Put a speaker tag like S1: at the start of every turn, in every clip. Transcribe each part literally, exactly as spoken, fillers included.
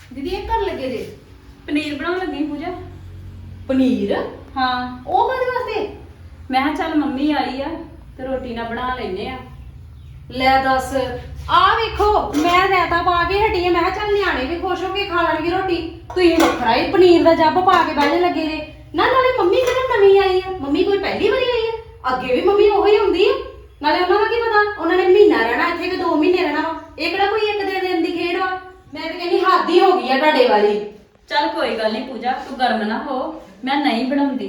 S1: दीदी ये कर लगे जे
S2: पनीर बनाने लगी पूजा।
S1: पनीर
S2: हाँ
S1: ਉਹ ਕਾਹਦੇ ਵਾਸਤੇ
S2: मैं किहा चल मम्मी आई आ ते रोटी ना बना लेने आ।
S1: ਲੈ ਦੱਸ ਆ ਵੇਖੋ ਮੈਂ ਰਾਇਤਾ ਪਾ ਕੇ ਹਟੀ ਆ ਮੈਂ ਕਿਹਾ ਚੱਲ ਨਿਆਣੇ ਵੀ ਖੁਸ਼ ਹੋ ਕੇ ਖਾ ਲੈਣਗੇ ਰੋਟੀ ਤੁਸੀਂ ਵੱਖਰਾ ਹੀ ਪਨੀਰ ਦਾ ਜੱਬ ਪਾ ਕੇ ਬਹਿਣੇ ਲੱਗੇ ਜੇ ਨਾ ਨਾਲੇ ਮੰਮੀ ਕਿਹੜਾ ਨਵੀਂ ਆਈ ਆ ਮੰਮੀ ਕੋਈ ਪਹਿਲੀ ਵਾਰੀ ਆਈ ਆ ਅੱਗੇ ਵੀ ਮੰਮੀ ਉਹੀ ਹੁੰਦੀ ਆ ਨਾਲੇ ਉਹਨਾਂ ਦਾ ਕੀ ਪਤਾ ਉਹਨਾਂ ਨੇ ਮਹੀਨਾ ਰਹਿਣਾ ਇੱਥੇ ਕਿ ਦੋ ਮਹੀਨੇ ਰਹਿਣਾ ਵਾ ਇਹ ਕਿਹੜਾ ਕੋਈ ਇੱਕ ਦੇ ਦਿਨ ਦੀ ਖੇਡ ਵਾ ਮੈਂ ਤਾਂ ਕਹਿੰਦੀ ਹੱਦ ਹੀ ਹੋ ਗਈ ਆ ਤੁਹਾਡੇ ਵਾਲੀ
S2: चल कोई गल नहीं पूजा तू गर्म ना हो मैं नहीं बनाऊंगी।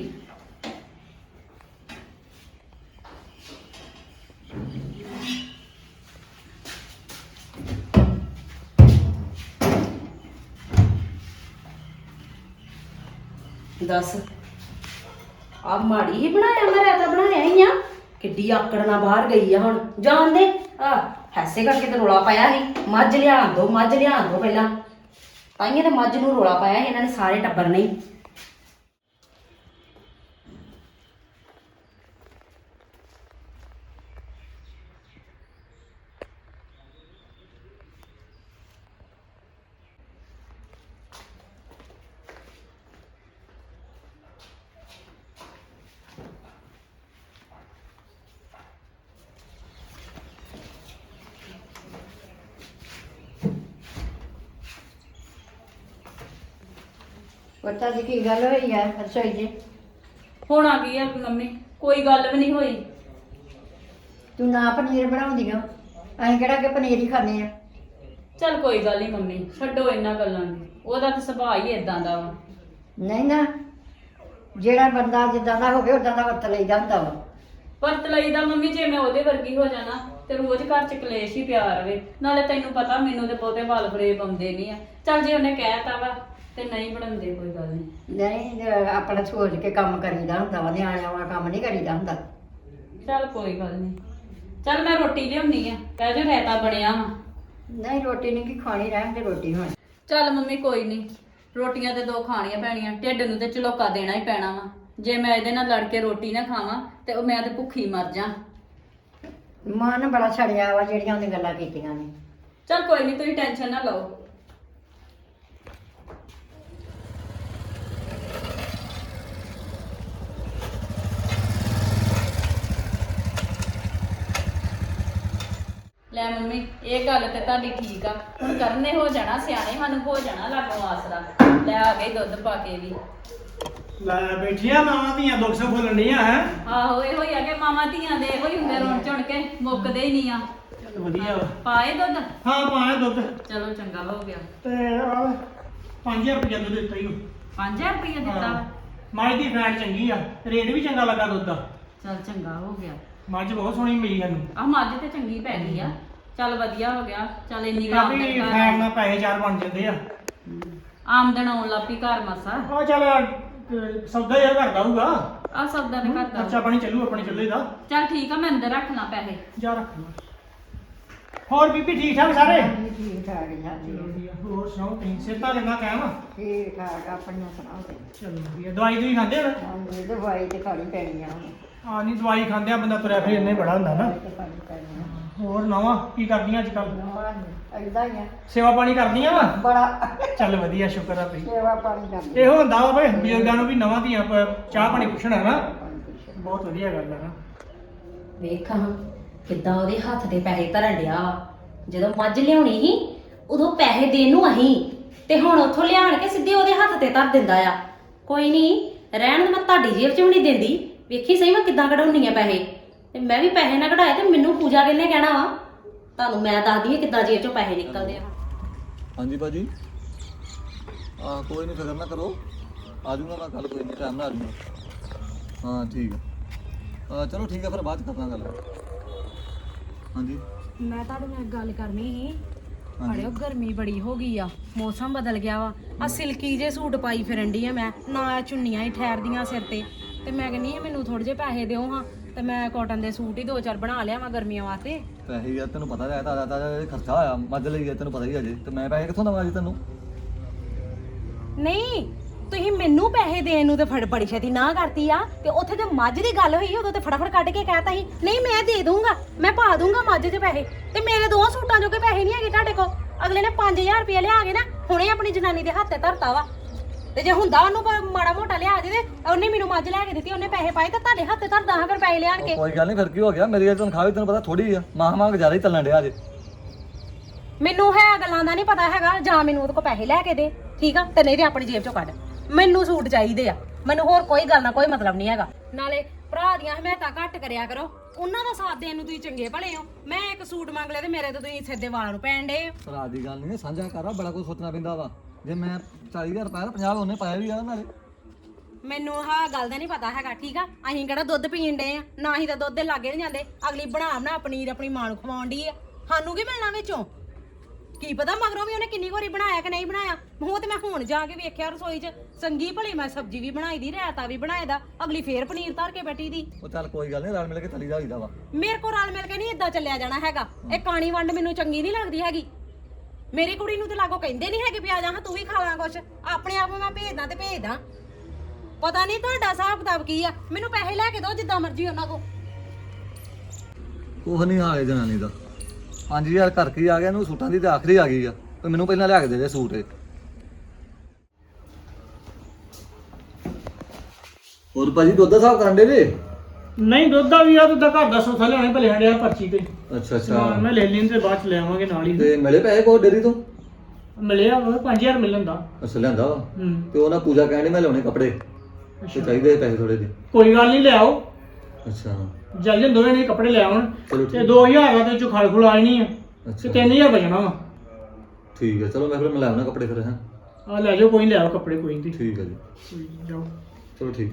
S1: ਦੱਸ ਆ ਮਾੜੀ ਹੀ ਬਣਾਇਆ ਮੈਂ ਰਾਇਤਾ ਬਣਾਇਆ ਹੀ ਆ ਕਿੱਡੀ ਆਕੜ ਨਾਲ ਬਾਹਰ ਗਈ ਆ ਹੁਣ ਜਾਣ ਦੇ ਆ ਹੈਸੇ ਕਰਕੇ ਤੇ ਰੋਲਾ ਪਾਇਆ ਸੀ ਮੱਝ ਲਿਆਣ ਦੋ ਮੱਝ ਲਿਆਣ ਦੋ ਪਹਿਲਾਂ ਤਾਈਏ ਤੇ ਮੱਝ ਨੂੰ ਰੋਲਾ ਪਾਇਆ ਸੀ ਇਹਨਾਂ ਨੇ ਸਾਰੇ ਟੱਬਰ ਨੇ ਹੀ।
S3: ਪਤਾ ਜੀ ਕੀ ਗੱਲ ਹੋਈ ਆ ਰਸੋਈ ਜੀ
S2: ਹੁਣ आ गई है मम्मी कोई गल भी नहीं हुई।
S3: ਤੂੰ ਨਾ ਪਨੀਰ ਬਣਾਉਂਦੀ ਆ ਅਸੀਂ ਕਿਹੜਾ ਕਿ ਪਨੀਰ ਹੀ ਖਾਂਦੇ ਆ
S2: चल कोई गल नहीं मम्मी छड्डो इन्हां गल्लां दी ओहदा ते सुभाਅ ही इदां दा वा।
S3: ਨਹੀਂ ਨਾ ਜਿਹੜਾ ਬੰਦਾ ਜਿੱਦਾਂ ਦਾ ਹੋਵੇ ਉਦਾਂ ਦਾ ਵਰਤ ਲਈਦਾ ਹੁੰਦਾ ਵਾ
S2: ਵਰਤ ਲਈਦਾ ਮੰਮੀ ਜੇ ਮੈਂ ਉਹਦੇ ਵਰਗੀ ਹੋ ਜਾਣਾ ਤੇ ਰੋਜ਼ ਘਰ ਚ ਕਲੇਸ਼ ਹੀ ਪਿਆ ਰਵੇ ਨਾਲੇ ਤੈਨੂੰ ਪਤਾ ਮੈਨੂੰ ਤੇ ਬਹੁਤੇ ਵਾਲ ਫਰੇਬ ਆਉਂਦੇ ਨਹੀਂ ਆ। ਚੱਲ ਜੇ ਉਹਨੇ ਕਹਿਤਾ ਵਾ ਤੇ ਨਹੀਂ ਬਣਾਉਂਦੇ ਕੋਈ ਗੱਲ ਨਹੀਂ।
S3: ਨਹੀਂ ਅਹ ਆਪਣਾ ਸੋਚ ਕੇ ਕੰਮ ਕਰੀਦਾ ਹੁੰਦਾ ਵਾ ਨਿਆਣਿਆਂ ਵਾਲਾ ਕੰਮ ਨਹੀਂ ਕਰੀਦਾ ਹੁੰਦਾ
S2: ਚੱਲ ਕੋਈ ਗੱਲ ਨਹੀਂ। ਚੱਲ ਮੈਂ ਰੋਟੀ ਲਿਆਉਣੀ ਆ ਕਹਿ ਜੋ ਰਾਇਤਾ ਬਣਿਆ ਵਾ।
S3: ਨਹੀਂ ਰੋਟੀ ਨਹੀਂ ਕੀ ਖਾਣੀ ਰਹਿਣ ਤੇ ਰੋਟੀ ਹੋਣੀ
S2: ਚੱਲ ਮੰਮੀ ਕੋਈ ਨਹੀਂ ਰੋਟੀਆਂ ਤੇ ਦੋ ਖਾਣੀਆਂ ਪੈਣੀਆਂ ਢਿੱਡ ਨੂੰ ਤੇ ਝਲੋਕਾ ਦੇਣਾ ਹੀ ਪੈਣਾ ਵਾ। ਜੇ ਮੈਂ ਇਹਦੇ ਨਾਲ ਲੜ ਕੇ ਰੋਟੀ ਨਾ ਖਾਵਾਂ ਤੇ ਉਹ ਮੈਂ ਤੇ ਭੁੱਖੀ ਮਰ ਜਾ।
S3: ਮਨ ਬੜਾ ਛੜਿਆ ਵਾ ਜਿਹੜੀਆਂ ਉਹਨੇ ਗੱਲਾਂ ਕੀਤੀਆਂ ਨੇ
S2: ਚੱਲ ਕੋਈ ਨਹੀਂ ਤੁਸੀਂ ਟੈਨਸ਼ਨ ਨਾ ਲਓ। ਲੈ ਮੰਮੀ ਇਹ ਗੱਲ ਤੇ ਤੁਹਾਡੀ ਠੀਕ ਆ ਹੁਣ ਕਰਨੇ ਹੋ ਜਾਣਾ ਸਿਆਣੇ ਸਾਨੂੰ ਹੋ ਜਾਣਾ ਲਾਗੋਂ ਆਸਰਾ। ਲੈ ਆ ਗਏ ਦੁੱਧ ਪਾ ਕੇ ਵੀ।
S4: ਲੈ ਬੈਠੀਆਂ ਮਾਵਾਂ ਧੀਆਂ ਦੁੱਖ ਸੁੱਖ ਫੁੱਲਣ ਡੀਆਂ ਹੈ।
S2: ਆਹੋ ਇਹੋ ਹੀ ਆ ਕਿ ਮਾਵਾਂ ਧੀਆਂ ਦੇ ਇਹੋ ਹੀ ਹੁੰਦੇ ਰੋਣ ਝੁਣ ਕੇ ਮੁੱਕਦੇ ਹੀ ਨਹੀਂ ਆ।
S4: ਚੱਲ ਵਧੀਆ ਵਾ।
S2: ਪਾਏ ਦੁੱਧ
S4: ਹਾਂ ਪਾਇਆ ਦੁੱਧ
S2: ਚਲੋ ਚੰਗਾ ਹੋ ਗਿਆ।
S4: ਤੇ ਆ ਪੰਜ ਹਜ਼ਾਰ ਰੁਪਏ ਦੁੱਧ ਦਿੱਤਾ ਹੀ
S2: ਪੰਜ ਹਜ਼ਾਰ ਰੁਪਏ ਦਿੱਤਾ ਵਾ।
S4: ਮੱਝ ਦੀ ਫੈਟ ਚੰਗੀ ਆ ਰੇਟ ਵੀ ਚੰਗਾ ਲੱਗਾ ਦੁੱਧ ਦਾ।
S2: ਚੱਲ ਚੰਗਾ ਹੋ ਗਿਆ।
S4: ਮੱਝ ਬਹੁਤ ਸੋਹਣੀ ਮਿਲੀ ਸਾਨੂੰ।
S2: ਆਹ ਮੱਝ ਤੇ ਚੰਗੀ ਪੈ ਗਈ ਆ। ਚੱਲ ਵਧੀਆ ਹੋ ਗਿਆ। ਚੱਲ ਇੰਨੀ ਕੁ
S4: ਕਾਫੀ
S2: ਆਮਦਨ
S4: ਫੈਟ
S2: ਘਰ
S4: ਨਾਲ ਪੈਸੇ ਚਾਰ ਬਣ ਜਾਂਦੇ ਆ।
S2: ਆਮਦਨ ਆਉਣ ਲੱਪੀ ਘਰ ਮਸਾ।
S4: ਆ ਚੱਲ ਅਹ, ਸੌਦਾ ਹੀ ਕਰਦਾ ਹੋਊਗਾ।
S2: ਆ ਸੌਦਾ ਦੇ ਘਰ
S4: ਖਰਚਾ
S2: ਦਾ।
S4: ਪਾਣੀ ਚੱਲੂ ਆਪਣੇ ਚੱਲੇ ਦਾ।
S2: ਚੱਲ ਠੀਕ ਆ ਮੈਂ ਅੰਦਰ ਰੱਖ ਲਾਂ ਪੈਸੇ।
S4: ਜਾ ਰੱਖ ਲਾ। ਹੋਰ ਬੀਬੀ ਠੀਕ ਠਾਕ ਸਾਰੇ?
S3: ਹਾਂਜੀ, ਠੀਕ ਠਾਕ ਜੀ ਹਾਂਜੀ
S4: ਵਧੀਆ। ਹੋਰ ਸੁਣਾਓ ਤੁਸੀਂ ਸਿਹਤਾਂ ਕਿੰਨਾ ਕਾਇਮ ਆ?
S3: ਠੀਕ ਠਾਕ ਆਪਣੀਆਂ ਸੁਣਾਓ ਤੇ
S4: ਚਲੋ ਵਧੀਆ। ਦਵਾਈ ਦੂਈ ਖਾਂਦੇ ਹੋ?
S3: ਹਾਂਜੀ ਦਵਾਈ ਤੇ ਖਾਣੀ ਪੈਣੀ ਆ ਹੁਣ
S4: ਆ ਨਹੀਂ ਦਵਾਈ ਖਾਂਦੇ ਆ ਬੰਦਾ ਤੁਰਿਆ ਫਿਰ ਇੰਨੇ ਬੜਾ ਹੁੰਦਾ ਨਾ।
S3: ਦਵਾਈ ਤੇ ਖਾਣੀ ਪੈਣੀ ਆ
S4: ਹੋਰ ਨਵਾਂ ਕੀ ਕਰਦੀਆਂ ਅੱਜ ਕੱਲ?
S3: ਏਦਾਂ ਹੀ ਆ
S4: ਸੇਵਾ ਪਾਣੀ ਕਰਦੀਆਂ ਵਾ?
S3: ਬੜਾ
S4: ਚੱਲ ਵਧੀਆ ਸ਼ੁਕਰ ਆ ਭਈ।
S3: ਸੇਵਾ ਪਾਣੀ ਕਰਦੀ
S4: ਇਹੋ ਹੁੰਦਾ ਵਾ ਬਈ ਬਜ਼ੁਰਗਾਂ ਨੂੰ ਵੀ ਨਵਾਂ ਦੀਆਂ ਪ- ਚਾਹ ਪਾਣੀ ਪੁੱਛਣਾ ਨਾ ਬਹੁਤ ਵਧੀਆ ਗੱਲ ਆ ਨਾ।
S1: ਵੇਖ ਹਾਂ ਕਿੱਦਾਂ ਉਹਦੇ ਹੱਥ ਦੇ ਪੈਸੇ ਧਰਨ ਡਿਆ ਵਾ ਜਦੋਂ ਮੱਝ ਲਿਆਉਣੀ ਸੀ ਉਦੋਂ ਪੈਸੇ ਦੇਣ ਨੂੰ ਅਹੀਂ ਤੇ ਹੁਣ ਉੱਥੋਂ ਲਿਆਣ ਕੇ ਸਿੱਧੇ ਉਹਦੇ ਹੱਥ ਤੇ ਧਰ ਦਿੰਦਾ ਆ। ਕੋਈ ਨਹੀਂ ਰਹਿਣ ਦੇ ਮੈਂ ਤੁਹਾਡੀ ਜੇਬ 'ਚ ਵੀ ਨਹੀਂ ਦਿੰਦੀ ਵੇਖੀ ਸਹੀ ਮੈਂ ਕਿੱਦਾਂ ਕਢਾਉਣੀ ਆ ਪੈਸੇ ਤੇ ਮੈਂ ਵੀ ਪੈਸੇ ਨਾ ਕਢਾਏ ਤੇ ਮੈਨੂੰ ਪੂਜਾ ਕਿੰਨੇ ਕਹਿਣਾ ਵਾ ਤੁਹਾਨੂੰ ਮੈਂ ਦੱਸਦੀ ਹਾਂ ਕਿੱਦਾਂ ਜੇਬ 'ਚੋਂ ਪੈਸੇ ਨਿਕਲਦੇ ਆ।
S5: ਹਾਂਜੀ ਭਾਜੀ ਆ ਕੋਈ ਨਹੀਂ ਫਿਕਰ ਨਾ ਕਰੋ ਆ ਜਾਊਂਗਾ ਮੈਂ ਕੱਲ ਕੋਈ ਨਹੀਂ ਟਾਈਮ ਨਾਲ ਆ ਜਾਊਂਗਾ। ਹਾਂ ਠੀਕ ਹੈ ਆ ਚਲੋ ਠੀਕ ਹੈ ਫਿਰ ਬਾਅਦ 'ਚ ਕਰਦਾ ਗੱਲ। ਹਾਂਜੀ
S6: ਮੈਂ ਤੁਹਾਡੇ ਨਾਲ ਇੱਕ ਗੱਲ ਕਰਨੀ ਸੀ
S5: ਹਾਂਜੀ।
S6: ਅੜਿਓ ਗਰਮੀ ਬੜੀ ਹੋ ਗਈ ਆ ਮੌਸਮ ਬਦਲ ਗਿਆ ਵਾ ਆ ਸਿਲਕੀ ਜੇ ਸੂਟ ਪਾਈ ਫਿਰਨ ਡਈ ਆ ਮੈਂ ਨਾ ਚੁੰਨੀਆਂ ਹੀ ਠਹਿਰਦੀਆਂ ਸਿਰ ਤੇ ਤੇ ਮੈਂ ਕਹਿੰਨੀ ਆ ਮੈਨੂੰ ਥੋੜੇ ਜਿਹੇ ਪੈਸੇ ਦਿਓ ਹਾਂ ਤੇ ਮੈਂ ਕਾਟਨ ਦੇ ਸੂਟ ਹੀ ਦੋ ਚਾਰ ਬਣਾ ਲਿਆ ਵਾ ਗਰਮੀਆਂ ਵਾਸਤੇ।
S5: ਪੈਸੇ ਯਾਰ ਤੈਨੂੰ ਪਤਾ ਹੈ ਤਾਂ ਤਾਂ ਖਰਚਾ ਹੋਇਆ ਮੱਝ ਲਈ ਹੈ ਤੈਨੂੰ ਪਤਾ ਹੀ ਅਜੇ ਤੇ ਮੈਂ ਪੈਸੇ ਕਿੱਥੋਂ ਦਵਾਂ ਜੀ ਤੈਨੂੰ?
S6: ਨਹੀਂ ਤੁਸੀਂ ਮੈਨੂੰ ਪੈਸੇ ਦੇਣ ਨੂੰ ਤੇ ਫੜ ਬੜੀ ਛੇਤੀ ਨਾ ਕਰਤੀ ਆ ਤੇ ਉੱਥੇ ਤੇ ਮੱਝ ਦੀ ਗੱਲ ਹੋਈ ਉਦੋਂ ਤੇ ਫਟਾਫਟ ਕੱਢ ਕੇ ਕਹਿਤਾ ਸੀ ਨਹੀਂ ਮੈਂ ਦੇ ਦੂੰਗਾ ਮੈਂ ਪਾ ਦੂੰਗਾ ਮੱਝ 'ਚ ਪੈਸੇ ਤੇ ਮੇਰੇ ਦੋ ਸੂਟਾਂ ਜੋਗੇ ਪੈਸੇ ਨਹੀਂ ਹੈਗੇ ਤੁਹਾਡੇ ਕੋਲ ਅਗਲੇ ਨੇ ਪੰਜ ਹਜ਼ਾਰ ਰੁਪਏ ਲਿਆ ਕੇ ਨਾ ਹੁਣੇ ਆਪਣੀ ਜਨਾਨੀ ਦੇ ਹੱਥੇ ਧਰਤਾ ਵਾ ਤੇ ਜੇ ਹੁੰਦਾ ਉਹਨੂੰ ਪ- ਮਾੜਾ ਮੋਟਾ ਲਿਆ ਦੇ ਤੇ ਉਹਨੇ ਮੈਨੂੰ ਮੱਝ ਲੈ ਕੇ ਦਿੱਤੀ ਉਹਨੇ ਪੈਸੇ ਪਾਏ ਤੇ ਤੁਹਾਡੇ ਹੱਥੇ ਧਰਦਾ ਹਾਂ ਫਿਰ ਪੈਸੇ ਲਿਆਣ ਕੇ
S5: ਕੋਈ ਗੱਲ ਨਹੀਂ, ਫਿਰ ਕੀ ਹੋ ਗਿਆ? ਮੇਰੀ ਇਹ ਤਨਖਾਹ ਵੀ ਤੈਨੂੰ ਪਤਾ ਥੋੜੀ ਆ, ਮਾਹ ਮਾਹ ਜ਼ਿਆਦਾ ਹੀ ਚੱਲਣ ਡਿਆ ਜੇ।
S6: ਮੈਨੂੰ ਹੈ ਗੱਲਾਂ ਦਾ ਨਹੀਂ ਪਤਾ ਹੈਗਾ ਜਾਂ ਮੈਨੂੰ ਉਹਦੇ ਕੋਲ ਪੈਸੇ ਲੈ ਕੇ ਦੇ ਠੀਕ ਆ ਤੇ ਨਹੀਂ ਤੇ ਆਪਣੀ ਜੇਬ ਚੋਂ ਕੱਢ ਮੈਨੂੰ ਸੂਟ ਚਾਹੀਦੇ ਆ ਮੈਨੂੰ ਹੋਰ ਕੋਈ ਗੱਲ ਨਾ ਕੋਈ ਮਤਲਬ ਨਹੀਂ ਹੈਗਾ ਨਾਲੇ ਭਰਾ ਦੀਆਂ ਹਮਾਇਤਾਂ ਘੱਟ ਕਰਿਆ ਕਰੋ ਉਹਨਾਂ ਦਾ ਸਾਥ ਦੇਣ ਨੂੰ ਤੁਸੀਂ ਚੰਗੇ ਭਲੇ ਹੋ ਮੈਂ ਇੱਕ ਸੂਟ ਮੰਗ ਲਿਆ ਤੇ ਮੇਰੇ ਤੇ ਤੁਸੀਂ ਸਿੱਧੇ ਵਾਲਾਂ ਨੂੰ ਪੈਣ ਡੇ
S5: ਭਰਾ ਦੀ ਗੱਲ ਨਹੀਂ, ਸਾਂਝਾ ਕਰ, ਬੜਾ ਕੁਝ ਸੋਚਣਾ ਪੈਂਦਾ ਵਾ। ਜੇ ਮੈਂ ਚਾਲੀ ਹਜ਼ਾਰ ਪਾਇਆ ਤਾਂ ਪੰਜਾਹ ਉਹਨੇ ਪਾਇਆ ਵੀ ਆ ਨਾਲੇ।
S6: ਮੈਨੂੰ ਆਹ ਗੱਲ ਦਾ ਨਹੀਂ ਪਤਾ ਹੈਗਾ ਠੀਕ ਆ ਅਸੀਂ ਕਿਹੜਾ ਦੁੱਧ ਪੀਣ ਡੇ ਆ ਨਾ ਹੀ ਤਾਂ ਦੁੱਧ ਦੇ ਲਾਗੇ ਨਹੀਂ ਜਾਂਦੇ ਅਗਲੀ ਬਣਾ ਬਣਾ ਪਨੀਰ ਆਪਣੀ ਮਾਂ ਨੂੰ ਖਵਾਉਣ ਦੀ ਆ ਸਾਨੂੰ ਕੀ ਮਿਲਣਾ ਵਿੱਚੋਂ ਕੀ ਪਤਾ ਮਗਰੋਂ ਵੀ ਉਹਨੇ ਕਿੰਨੀ ਵਾਰੀ ਬਣਾਇਆ ਕਿ ਨਹੀਂ ਬਣਾਇਆ ਉਹ ਤੇ ਮੈਂ ਹੁਣ ਜਾ ਕੇ ਵੇਖਿਆ ਰਸੋਈ 'ਚ ਚੰਗੀ ਭਲੀ ਮੈਂ ਸਬਜ਼ੀ ਵੀ ਬਣਾਈ ਦੀ ਰਾਇਤਾ ਵੀ ਬਣਾਇਆ ਦਾ ਅਗਲੀ ਫੇਰ ਪਨੀਰ ਧਰ ਕੇ ਬੈਠੀ ਦੀ
S5: ਉਹ ਚੱਲ ਕੋਈ ਗੱਲ ਨਹੀਂ, ਰਲ ਮਿਲ ਕੇ ਤਲੀ ਦਾ ਹੋਈਦਾ ਵਾ।
S6: ਮੇਰੇ ਕੋਲ ਰਲ ਮਿਲ ਕੇ ਨਹੀਂ ਇਦਾਂ ਚੱਲਿਆ ਜਾਣਾ ਹੈਗਾ ਇਹ ਕਾਣੀ ਵੰਡ ਮੈਨੂੰ ਚੰਗੀ ਨਹੀਂ ਲੱਗਦੀ ਹੈਗੀ ਮੇਰੀ ਕੁੜੀ ਨੂੰ ਤੇ ਲਾਗੋ ਕਹਿੰਦੇ ਨਹੀਂ ਹੈਗੇ ਵੀ ਆ ਜਾ ਤੂੰ ਵੀ ਖਾ ਲਾਂ ਕੁਛ ਆਪਣੇ ਆਪ ਮੈਂ ਭੇਜਦਾ ਤੇ ਭੇਜਦਾ ਪਤਾ ਨਹੀਂ ਤੁਹਾਡਾ ਹਿਸਾਬ ਕਿਤਾਬ ਕੀ ਆ ਮੈਨੂੰ ਪੈਸੇ ਲੈ ਕੇ ਦਿਓ ਜਿੱਦਾਂ ਮਰਜ਼ੀ ਉਹਨਾਂ ਕੋ
S5: ਕੁਛ ਨਹੀਂ ਹਾਲੇ ਜਨਾਨੀ ਦਾ ਪੰਜ ਹਜ਼ਾਰ ਘਰ ਕੀ ਆ ਗਿਆ, ਇਹਨੂੰ ਸੂਟਾਂ ਦੀ ਤੇ ਆਖਰੀ ਆ ਗਈ ਆ ਤੇ ਮੈਨੂੰ ਪਹਿਲਾਂ ਲਿਆ ਕੇ ਦੇ ਦੇ ਸੂਟ ਇਹ। ਹੋਰ ਭਾਜੀ ਦੁੱਧ ਦਾ ਹਿਸਾਬ ਕਰਨ ਦੇ ਜੇ?
S4: ਨਹੀਂ ਦੁੱਧ ਦਾ ਵੀ ਆ, ਦੁੱਧ ਦਾ ਘਰ ਦਾ ਸੌਦਾ ਲਿਆਣੇ ਭਲੇ ਹੰਡਿਆ ਪਰਚੀ ਤੇ।
S5: ਅੱਛਾ
S4: ਹਾਂ
S5: ਅੱਛਾ,
S4: ਮੈਂ ਲੈ ਲੈਣ ਤੇ ਬਾਅਦ ਚ ਲੈ ਆਵਾਂਗੇ ਨਾਲ ਹੀ।
S5: ਤੇ ਮਿਲੇ ਪੈਸੇ ਕੋਈ ਡੇਰੀ ਤੋਂ?
S4: ਮਿਲਿਆ ਵਾ ਪੰਜ ਹਜ਼ਾਰ ਮਿਲਣ ਦਾ।
S5: ਅੱਛਾ ਲਿਆਂਦਾ ਵਾ।
S4: ਹੂੰ
S5: ਤੇ ਉਹ ਨਾ ਪੂਜਾ ਕਹਿੰਦੀ ਮੈਂ ਲਿਆਉਣੇ ਕੱਪੜੇ ਤੇ ਚਾਹੀਦੇ ਪੈਸੇ ਥੋੜੇ ਜਿਹੇ।
S4: ਕੋਈ ਗੱਲ ਨਹੀਂ, ਲਿਆਓ
S5: ਅੱਛਾ
S4: ਜਲਦੀ ਦੋਵੇਂ ਨੇ ਕੱਪੜੇ ਲੈ ਆਉਣ
S5: ਚਲੋ
S4: ਤੇ
S5: ਠੀਕ
S4: ਦੋ ਹਜ਼ਾਰ ਦਾ ਤੇ ਚੋਂ ਖਲ ਖੁਲ ਆਣੀ ਆ ਤੇ
S5: ਅੱਛਾ
S4: ਤਿੰਨ ਹਜ਼ਾਰ ਬਚਣਾ ਵਾ।
S5: ਠੀਕ ਹੈ, ਚਲੋ ਮੈਂ ਫਿਰ ਮੈਂ ਲੈ ਆਉਣਾ ਕੱਪੜੇ ਫਿਰ। ਹਾਂ
S4: ਆ ਲੈ ਜਾਓ, ਕੋਈ ਨੀ, ਲੈ ਆਓ ਕੱਪੜੇ ਕੋਈ ਨਹੀਂ।
S5: ਠੀਕ ਹੈ ਜੀ,
S4: ਕੋਈ ਨੀ, ਜਾਓ।
S5: ਚਲੋ ਠੀਕ।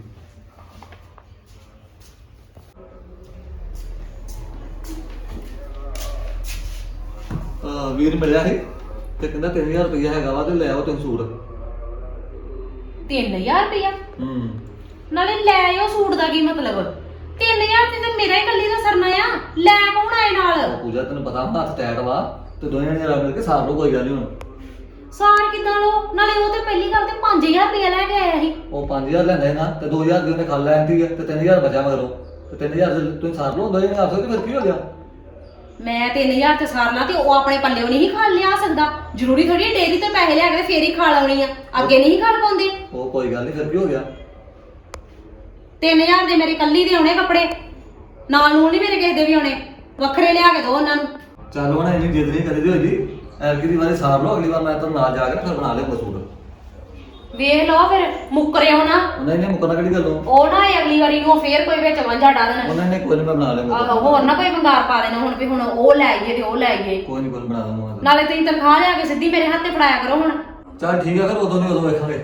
S5: ਆ ਵੀਰ ਮਿਲਿਆ ਸੀ ਤੇ ਕਹਿੰਦਾ ਤਿੰਨ ਹਜ਼ਾਰ ਰੁਪਇਆ ਹੈਗਾ ਵਾ ਤੇ ਲੈ ਆਓ ਤੈਨੂੰ ਸੂਟ।
S1: ਤਿੰਨ ਹਜ਼ਾਰ ਰੁਪਇਆ
S5: ਹੂੰ
S1: ਨਾਲੇ ਲੈ ਆਇਓ ਸੂਟ ਦਾ ਕੀ ਮਤਲਬ ਤਿੰਨ ਹਜ਼ਾਰ ਤੇ ਤਾਂ ਮੇਰਾ ਹੀ ਕੱਲੀ ਦਾ ਸਰਨਾ ਆ ਲੈ ਕੌਣ ਆਏ ਨਾਲ
S5: ਪੂਜਾ ਤੈਨੂੰ ਪਤਾ ਹੱਥ ਟੈਟ ਵਾ ਤੇ ਦੋਵੇਂ ਜਣੇ ਰਲ ਮਿਲ ਕੇ ਸਾਰ ਲਓ, ਕੋਈ ਗੱਲ ਨਹੀਂ ਹੁਣ।
S1: ਸਾਰ ਕਿਦਾਂ ਲੋ ਨਾਲੇ ਉਹ ਤੇ ਪਹਿਲੀ ਗੱਲ ਤੇ ਪੰਜ ਹਜ਼ਾਰ ਰੁਪਇਆ ਲੈ ਕੇ ਆਇਆ ਸੀ
S5: ਉਹ ਪੰਜ ਹਜ਼ਾਰ ਲੈਂਦੇ ਨਾ ਤੇ ਦੋ ਹਜ਼ਾਰ ਦੀ ਉਹਨੇ ਖਾ ਲੈਂਦੀ ਹੈ ਤੇ ਤਿੰਨ ਹਜ਼ਾਰ ਬਚਿਆ ਮਗਰੋਂ ਤੇ ਤਿੰਨ ਹਜ਼ਾਰ ਤੁਸੀਂ ਸਾਰ ਲਓ ਦੋਵੇਂ ਜਣੇ ਆਪਸ ਵਿੱਚ, ਫਿਰ ਕੀ ਹੋ ਗਿਆ?
S1: ਮੈਂ ਤਿੰਨ ਹਜ਼ਾਰ ਤੇ ਸਾਰ ਲਾ ਤੇ ਉਹ ਆਪਣੇ ਪੱਲਿਓਂ ਨਹੀਂ ਖਾ ਲਿਆ ਸਕਦਾ ਜ਼ਰੂਰੀ ਥੋੜੀ ਡੇਰੀ ਤੇ ਪੈਸੇ ਲਿਆ ਕੇ ਫੇਰ ਹੀ ਖਾ ਲਾਉਣੀ ਆ ਅੱਗੇ ਨਹੀਂ ਖਾ ਪਾਉਂਦੇ
S5: ਉਹ ਕੋਈ ਗੱਲ ਨਹੀਂ, ਫਿਰ ਕੀ ਹੋ ਗਿਆ?
S1: ਤਿੰਨ ਹਜ਼ਾਰ ਦੇ ਮੇਰੇ ਕੱਲੀ ਦੇ ਆਉਣੇ ਕੱਪੜੇ ਨਾਲ ਨੂੰ ਨਹੀਂ ਮੇਰੇ ਕਿਸੇ ਦੇ ਵੀ ਆਉਣੇ ਵੱਖਰੇ ਲਿਆ ਕੇ ਦੋ ਉਹਨਾਂ ਨੂੰ।
S5: ਚੱਲ ਹੁਣ ਇੰਨੀ ਜਿੱਦ ਨਹੀਂ ਕਰੀਦੀ ਹੋਈ, ਐਰਕੀ ਦੀ ਵਾਰੀ ਸਾਰ ਲਓ, ਅਗਲੀ ਵਾਰ ਮੈਂ ਤੁਹਾਨੂੰ ਨਾਲ ਜਾ ਕੇ ਨਾ ਫਿਰ ਬਣਾ ਲਿਆਉਂਗਾ ਸੂਟ।
S1: ਵੇਖ ਲਓ ਫਿਰ ਮੁੱਕਰਿਓ ਨਾ
S5: ਉਹਨਾਂ ਨੇ ਮੁੱਕਣਾ ਕਿਹੜੀ ਗੱਲੋਂ?
S1: ਉਹ ਨਾ ਇਹ ਅਗਲੀ ਵਾਰੀ ਨੂੰ ਫੇਰ ਕੋਈ ਵਿੱਚ ਵਾਂਝਾ ਡਾ ਦੇਣਾ
S5: ਉਹਨਾਂ ਨੇ ਕੋਈ ਨਹੀਂ, ਮੈਂ ਬਣਾ ਲਿਆਉਂਗਾ।
S1: ਆਹੋ ਹੋਰ ਨਾ ਕੋਈ ਬੰਗਾਰ ਪਾ ਦੇਣਾ ਹੁਣ ਵੀ ਹੁਣ ਉਹ ਲੈ ਆਈਏ ਤੇ ਉਹ ਲੈ ਆਈਏ
S5: ਕੋਈ ਨਹੀਂ, ਕੋਈ ਨੀ, ਬਣਾ ਦੂੰਗਾ।
S1: ਨਾਲੇ ਤੁਸੀਂ ਤਨਖਾਹ ਲਿਆ ਕੇ ਸਿੱਧੀ ਮੇਰੇ ਹੱਥੇ ਫੜਾਇਆ ਕਰੋ ਹੁਣ।
S5: ਚੱਲ ਠੀਕ ਆ, ਫਿਰ ਉਦੋਂ ਨਹੀਂ ਉਦੋਂ ਵੇਖਾਂਗੇ।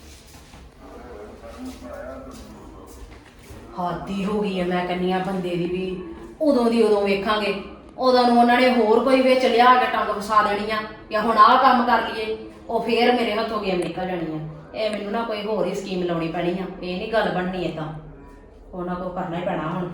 S1: ਹਾਦੀ ਹੋ ਗਈ ਐ ਮੈਂ ਕੰਨੀ ਆ ਬੰਦੇ ਦੀ ਵੀ ਉਦੋਂ ਦੀ ਉਦੋਂ ਵੇਖਾਂਗੇ ਉਦੋਂ ਨੂੰ ਉਹਨਾਂ ਨੇ ਹੋਰ ਕੋਈ ਵਿੱਚ ਲਿਆ ਕੇ ਟੰਗ ਫਸਾ ਦੇਣੀ ਆ ਜਾਂ ਹੁਣ ਆਹ ਕੰਮ ਕਰ ਲਈਏ ਉਹ ਫੇਰ ਮੇਰੇ ਹੱਥੋਂ ਗੇਮ ਨਿਕਲ ਜਾਣੀ ਆ। ਇਹ ਮੈਨੂੰ ਨਾ ਕੋਈ ਹੋਰ ਹੀ ਸਕੀਮ ਲਾਉਣੀ ਪੈਣੀ ਆ, ਇਹ ਨਹੀਂ ਗੱਲ ਬਣਨੀ ਏਦਾਂ, ਉਹਨਾਂ ਕੋ ਕਰਨਾ ਹੀ ਪੈਣਾ ਹੁਣ।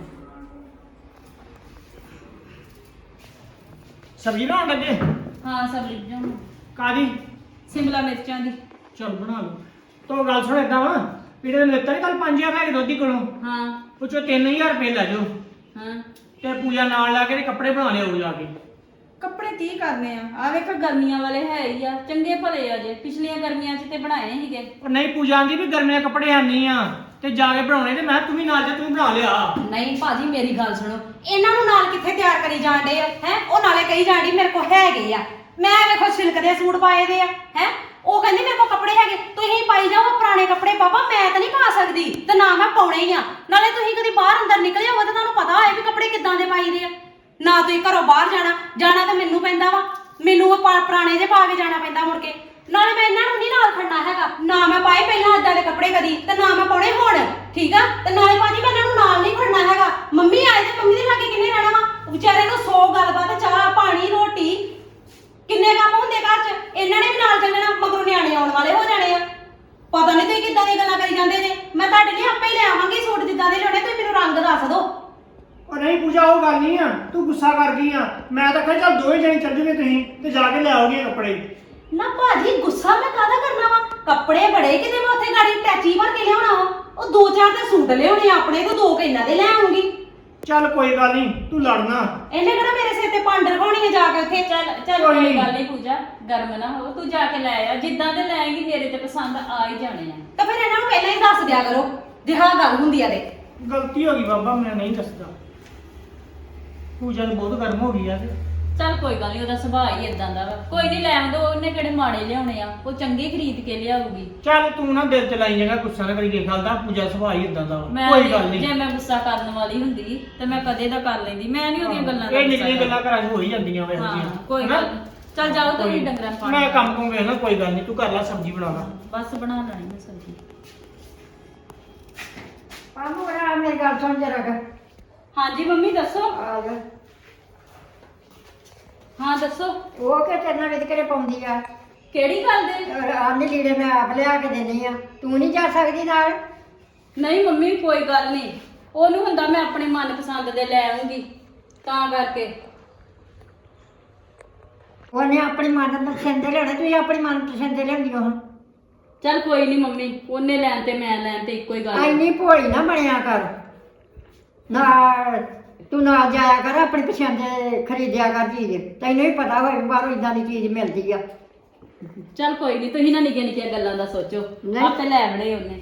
S4: ਸਬਜ਼ੀ ਬਣਾਉਣ ਲੱਗੇ?
S2: ਹਾਂ ਸਬਜ਼ੀ ਬਣਾਉਣੀ
S4: ਕਾਦੀ?
S2: ਸ਼ਿਮਲਾ ਮਿਰਚਾਂ ਦੀ।
S4: ਚਲ ਬਣਾ ਲਓ। ਤੋ ਗੱਲ ਸੁਣ ਏਦਾਂ ਵਾ ਵੀਰੇ ਨੇ ਦਿੱਤਾ ਨਹੀਂ ਕੱਲ ਪੰਜ ਹਜ਼ਾਰ ਲੈ ਕੇ ਦੋਦੀ ਕੋਲੋਂ,
S2: ਹਾਂ
S4: ਉਹ ਚੋਂ ਤਿੰਨ ਹਜ਼ਾਰ ਰੁਪਏ ਲੈ ਜਾਓ
S2: ਹਾਂ
S4: ਤੇ ਪੂਜਾ ਨਾਲ ਲਾ ਕੇ ਤੇ ਕੱਪੜੇ ਬਣਾ ਲਿਓ ਜਾ ਕੇ।
S2: ਕੱਪੜੇ ਕੀ ਕਰਨੇ ਆ ਆ ਵੇਖ ਗਰਮੀਆਂ ਵਾਲੇ ਹੈ ਹੀ ਆ, ਚੰਗੇ ਭਲੇ ਆ ਜੇ ਪਿਛਲੀਆਂ ਗਰਮੀਆਂ 'ਚ ਤੇ ਬਣਾਏ ਸੀਗੇ।
S4: ਉਹ ਨਹੀਂ ਪੂਜਾ ਆਂਦੀ ਵੀ ਗਰਮੀਆਂ ਕੱਪੜੇ ਆਨੀ ਆ ਤੇ ਜਾ ਕੇ ਬਣਾਉਣੇ ਤੇ ਮੈਂ ਤੂੰ ਵੀ ਨਾਲ ਜਾ, ਤੂੰ ਬਣਾ ਲਿਆ।
S1: ਨਹੀਂ ਭਾਜੀ ਮੇਰੀ ਗੱਲ ਸੁਣੋ ਇਹਨਾਂ ਨੂੰ ਨਾਲ ਕਿੱਥੇ ਤਿਆਰ ਕਰੀ ਜਾਂਦੇ ਆ ਹੈ ਉਹ ਨਾਲੇ ਕਹੀ ਜਾਂਦੀ ਮੇਰੇ ਕੋਲ ਹੈਗੇ ਆ ਮੈਂ ਵੇਖੋ ਸਿਲਕ ਦੇ ਸੂਟ ਪਾਏ ਦੇ ਆ ਹੈ ਉਹ ਕਹਿੰਦੀ ਮੇਰੇ ਕੋਲ ਕੱਪੜੇ ਹੈਗੇ ਤੁਸੀਂ ਪਾਈ ਜਾਓ ਪੁਰਾਣੇ ਕੱਪੜੇ ਬਾਬਾ ਮੈਂ ਤਾਂ ਨਹੀਂ ਪਾ ਸਕਦੀ ਤੇ ਨਾ ਮੈਂ ਪਾਉਣੇ ਹੀ ਆ ਨਾਲੇ ਤੁਸੀਂ ਕਦੀ ਬਾਹਰ ਅੰਦਰ ਨਿਕਲੇ ਹੋਵੇ ਤਾਂ ਤੁਹਾਨੂੰ ਪਤਾ ਹੋਏ ਵੀ ਕੱਪੜੇ ਕਿੱਦਾਂ ਦੇ ਪਾਈਦੇ ਆ ਨਾ ਤੁਸੀਂ ਘਰੋਂ ਬਾਹਰ ਜਾਣਾ ਜਾਣਾ ਤਾਂ ਮੈਨੂੰ ਪੈਂਦਾ ਵਾ ਮੈਨੂੰ ਉਹ ਪੁਰਾਣੇ ਜੇ ਪਾ ਕੇ ਜਾਣਾ ਪੈਂਦਾ ਮੁੜ ਕੇ ਨਾਲੇ ਮੈਂ ਇਹਨਾਂ ਨੂੰ ਨਹੀਂ ਨਾਲ ਖੜਨਾ ਹੈਗਾ ਨਾ ਮੈਂ ਪਾਏ ਪਹਿਲਾਂ ਏਦਾਂ ਦੇ ਕੱਪੜੇ ਕਦੀ ਤੇ ਨਾ ਮੈਂ ਪਾਉਣੇ ਹੁਣ ਠੀਕ ਆ ਤੇ ਨਾਲੇ ਭਾਜੀ ਮੈਂ ਇਹਨਾਂ ਨੂੰ ਨਾਲ ਨਹੀਂ ਖੜਨਾ ਹੈਗਾ ਮੰਮੀ ਆਏ ਤੇ ਮੰਮੀ ਦੇ ਲਾਗੇ ਕਿੰਨੇ ਰਹਿਣਾ ਵਾ ਵਿਚਾਰੇ ਨੂੰ ਸੌ ਗੱਲਬਾਤ ਚਾਹ ਪਾਣੀ ਰੋਟੀ ਕਿੰਨੇ ਕੰਮ ਹੁੰਦੇ ਘਰ 'ਚ ਇਹਨਾਂ ਨੇ ਵੀ ਨਾਲ ਚੱਲਣਾ ਮਗਰੋਂ ਨਿਆਣੇ ਆਉਣ ਵਾਲੇ ਹੋ ਜਾਣੇ ਆ ਪਤਾ ਨਹੀਂ ਤੁਸੀਂ ਕਿੱਦਾਂ ਦੀਆਂ ਗੱਲਾਂ ਕਰੀ ਜਾਂਦੇ ਜੇ ਮੈਂ ਤੁਹਾਡੇ ਲਈ ਆਪੇ ਹੀ ਲੈ ਆਵਾਂਗੀ ਸੂਟ ਜਿੱਦਾਂ ਦੇ ਲਿਆਉਣੇ ਤੁਸੀਂ ਮੈਨੂੰ ਰੰਗ ਦੱਸ ਦਿਓ
S4: ਉਹ ਨਹੀਂ ਪੂਜਾ ਉਹ ਗੱਲ ਨਹੀਂ ਆ, ਤੂੰ ਗੁੱਸਾ ਕਰ ਗਈ ਆ। ਮੈਂ ਤਾਂ ਕਿਹਾ ਚੱਲ ਦੋਵੇਂ ਜਣੇ ਚੱਲ ਜੂਗੇ ਤੁਸੀਂ ਤੇ ਜਾ ਕੇ ਲੈ ਆਓਗੇ ਕੱਪੜੇ।
S1: ਨਾ ਭਾਜੀ ਗੁੱਸਾ ਮੈਂ ਕਾਹਦਾ ਕਰਨਾ ਵਾ ਕੱਪੜੇ ਬੜੇ ਕਿਤੇ ਮੈਂ ਉੱਥੇ ਗਾੜੀ ਟੈਚੀ ਭਰ ਕੇ ਲਿਆਉਣਾ ਵਾ ਉਹ ਦੋ ਚਾਰ ਤੇ ਸੂਟ ਲਿਆਉਣੇ ਆਪਣੇ ਤੋਂ ਦੋ ਕੇ ਇਹਨਾਂ ਦੇ ਲੈ ਆਉਂਗੀ
S4: ਚੱਲ ਕੋਈ ਗੱਲ ਨਹੀਂ ਤੂੰ ਲੜਨਾ।
S1: ਇਹਨੇ ਕਿਹੜਾ ਮੇਰੇ ਸਿਰ ਤੇ ਪੰਡ ਰਖਾਉਣੀ ਆ ਜਾ ਕੇ ਉੱਥੇ।
S2: ਚੱਲ ਚੱਲ
S4: ਕੋਈ
S2: ਕੋਈ
S4: ਨੀ।
S2: ਗੱਲ ਨਹੀਂ ਪੂਜਾ, ਗਰਮ ਨਾ ਹੋ, ਤੂੰ ਜਾ ਕੇ ਲੈ ਆ, ਜਿੱਦਾਂ ਦੇ ਲੈਂਗੀ ਮੇਰੇ ਤੇ ਪਸੰਦ ਆ ਹੀ ਜਾਣੇ ਆ।
S1: ਤਾਂ ਫਿਰ ਇਹਨਾਂ ਨੂੰ ਪਹਿਲਾਂ ਹੀ ਦੱਸ ਦਿਆ ਕਰੋ ਜੇ ਹਾਂ ਗੱਲ ਹੁੰਦੀ ਆ ਤੇ।
S4: ਗਲਤੀ ਹੋ ਗਈ ਬਾਬਾ, ਮੈਂ ਨਹੀਂ ਦੱਸਦਾ। ਪੂਜਾ ਤਾਂ ਬਹੁਤ ਗਰਮ ਹੋ ਗਈ ਆ ਤੇ
S2: ਚੱਲ ਕੋਈ ਗੱਲ ਨਹੀਂ, ਉਹਦਾ ਸੁਭਾਅ ਹੀ ਇਦਾਂ ਦਾ ਵਾ, ਕੋਈ ਨਹੀਂ ਲੈਣ ਦੋ, ਉਹਨੇ ਕਿਹੜੇ ਮਾੜੇ ਲਿਆਉਣੇ ਆ, ਉਹ ਚੰਗੇ ਖਰੀਦ ਕੇ ਲਿਆਊਗੀ।
S4: ਚੱਲ ਤੂੰ ਨਾ ਦਿਲ ਚ ਲਾਈ ਜਾਏਗਾ, ਗੁੱਸਾ ਨਾ ਕਰੀ ਕੇ ਗੱਲ ਦਾ। ਪੂਜਾ ਸੁਭਾਅ ਹੀ ਇਦਾਂ ਦਾ ਵਾ।
S2: ਮੈਂ
S4: ਕੋਈ ਗੱਲ ਨਹੀਂ,
S2: ਜੇ ਮੈਂ ਗੁੱਸਾ ਕਰਨ ਵਾਲੀ ਹੁੰਦੀ ਤੇ ਮੈਂ ਕਦੇ ਦਾ ਕਰ ਲੈਂਦੀ, ਮੈਂ ਨਹੀਂ ਉਹਦੀਆਂ ਗੱਲਾਂ ਦਾ
S4: ਇਹ
S2: ਗੁੱਸਾ
S4: ਨਿੱਕੀਆਂ ਗੱਲਾਂ
S2: ਕਰਦੀ।
S4: ਘਰਾਂ 'ਚ ਹੋ ਹੀ ਜਾਂਦੀਆਂ ਵੇ।
S2: ਹਾਂ ਕੋਈ ਗੱਲ ਨੀ। ਚੱਲ ਜਾਓ ਤੁਸੀਂ ਡੰਗਰਾਂ ਨੂੰ ਪਾਣੀ
S4: ਮੈਂ ਕੰਮ ਨੂੰ ਵੇਖਣਾ, ਕੋਈ ਗੱਲ ਨਹੀਂ, ਤੂੰ ਕਰ ਲੈ, ਸਬਜ਼ੀ ਬਣਾ ਲਾ।
S2: ਬਸ ਬਣਾ ਲੈਣੀ ਮੈਂ ਸਬਜ਼ੀ।
S3: ਪਾਮੂ ਬਣਾ ਮੇਰੀ ਗੱਲ ਸੁਣ ਜਰਾ ਕਰ।
S2: ਹਾਂਜੀ ਮੰਮੀ ਦੱਸੋ।
S3: ਆ ਜਾ।
S2: ਹਾਂ ਦੱਸੋ,
S3: ਉਹ ਕਿ ਤੇਰੇ ਨਾਲ ਵਿਤਕਰੇ ਪਾਉਂਦੀ ਆ।
S2: ਕਿਹੜੀ ਗੱਲ ਦੇ?
S3: ਆਨੇ ਲੀੜੇ ਮੈਂ ਆਪ ਲਿਆ ਕੇ ਦਿੰਦੀ ਆ, ਤੂੰ ਨਹੀਂ ਜਾ ਸਕਦੀ ਨਾਲ?
S2: ਨਹੀਂ ਮੰਮੀ ਕੋਈ ਗੱਲ ਨਹੀਂ, ਉਹਨੂੰ ਹੁੰਦਾ ਮੈਂ ਆਪਣੇ ਮਨਪਸੰਦ ਦੇ ਲੈ ਆਉਂਗੀ ਤਾਂ ਕਰਕੇ।
S3: ਉਹਨੇ ਆਪਣੀ ਮਨ ਪਸੰਦ ਦੇ ਲੈਣੇ, ਤੂੰ ਆਪਣੀ ਮਨ ਪਸੰਦ ਦੇ ਲਿਆਉਂਦੀ ਹੋ।
S2: ਚੱਲ ਕੋਈ ਨਹੀਂ ਮੰਮੀ, ਉਹਨੇ ਲੈਣ ਤੇ ਮੈਂ ਲੈਣ ਤੇ ਇੱਕੋ ਹੀ ਗੱਲ ਆ।
S3: ਐਨੀ ਭੋਲੀ ਨਾ ਬਣਿਆ ਕਰ ਨਾ, ਤੂੰ ਨਾ ਜਾਇਆ ਕਰ, ਆਪਣੀ ਪਸੰਦ ਦੇ ਖਰੀਦਿਆ ਕਰ ਚੀਜ਼। ਤੈਨੂੰ ਵੀ ਪਤਾ ਹੋਏ ਬਾਹਰੋਂ ਇਦਾਂ ਦੀ ਚੀਜ਼ ਮਿਲਦੀ ਆ।
S2: ਚੱਲ ਕੋਈ ਨਹੀਂ, ਤੁਸੀਂ ਨਾ ਨਿੱਕੀਆਂ ਨਿੱਕੀਆਂ ਗੱਲਾਂ ਦਾ ਸੋਚੋ,
S3: ਨਹੀਂ।
S2: ਆਪੇ ਲੈ ਆਵਣੇ ਉਹਨੇ।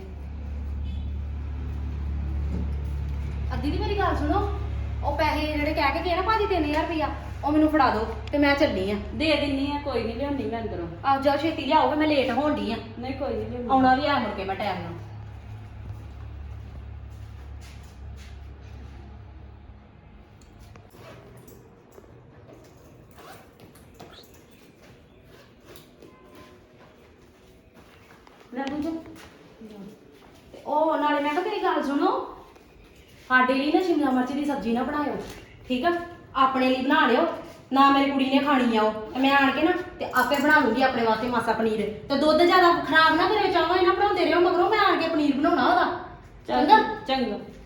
S1: ਅੱਧੀ ਦੀ ਮੇਰੀ ਗੱਲ ਸੁਣੋ, ਉਹ ਪੈਸੇ ਜਿਹੜੇ ਕਹਿ ਕੇ ਗਏ ਨਾ ਭਾਜੀ ਤਿੰਨ ਹਜ਼ਾਰ ਰੁਪਇਆ, ਉਹ ਮੈਨੂੰ ਫੜਾ ਦਿਓ ਤੇ ਮੈਂ ਚੱਲੀ ਆ।
S2: ਦੇ ਦਿੰਨੀ ਆ, ਕੋਈ ਨਹੀਂ ਲਿਆਉਣੀ ਮੈਂ ਅੰਦਰੋਂ।
S1: ਆਹ ਜਾਓ ਛੇਤੀ ਲਿਆਓ, ਮੈਂ ਲੇਟ ਹੋਣ ਡਈ ਆ।
S2: ਨਹੀਂ ਕੋਈ ਨਹੀਂ ਲਿਆਉਣੀ।
S1: ਆਉਣਾ ਵੀ ਆ ਮੁੜ ਕੇ ਮੈਂ ਟਾਈਮ ਨਾਲ। ਲੈ ਬੁੱਝ। ਤੇ ਉਹ ਨਾਲੇ ਮੈਂ ਕਿਹਾ ਮੇਰੀ ਗੱਲ ਸੁਣੋ, ਸਾਡੇ ਲਈ ਨਾ ਸ਼ਿਮਲਾ ਮਿਰਚ ਦੀ ਸਬਜ਼ੀ ਨਾ ਬਣਾਇਓ, ਠੀਕ ਆ? ਆਪਣੇ ਲਈ ਬਣਾ ਲਿਓ, ਨਾ ਮੇਰੀ ਕੁੜੀ ਨੇ ਖਾਣੀ ਆ ਉਹ। ਤੇ ਮੈਂ ਆਣ ਕੇ ਨਾ ਤੇ ਆਪੇ ਬਣਾ ਲੂੰਗੀ ਆਪਣੇ ਵਾਸਤੇ ਮਾਸਾ ਪਨੀਰ। ਤੇ ਦੁੱਧ ਜ਼ਿਆਦਾ ਖਰਾਬ ਨਾ ਕਰਿਓ, ਚਾਹੋ ਇਹਨਾਂ ਬਣਾਉਂਦੇ ਰਹੋ, ਮਗਰੋਂ ਮੈਂ ਆਣ ਕੇ ਪਨੀਰ ਬਣਾਉਣਾ ਉਹਦਾ। ਚੰਗਾ
S2: ਚੰਗਾ।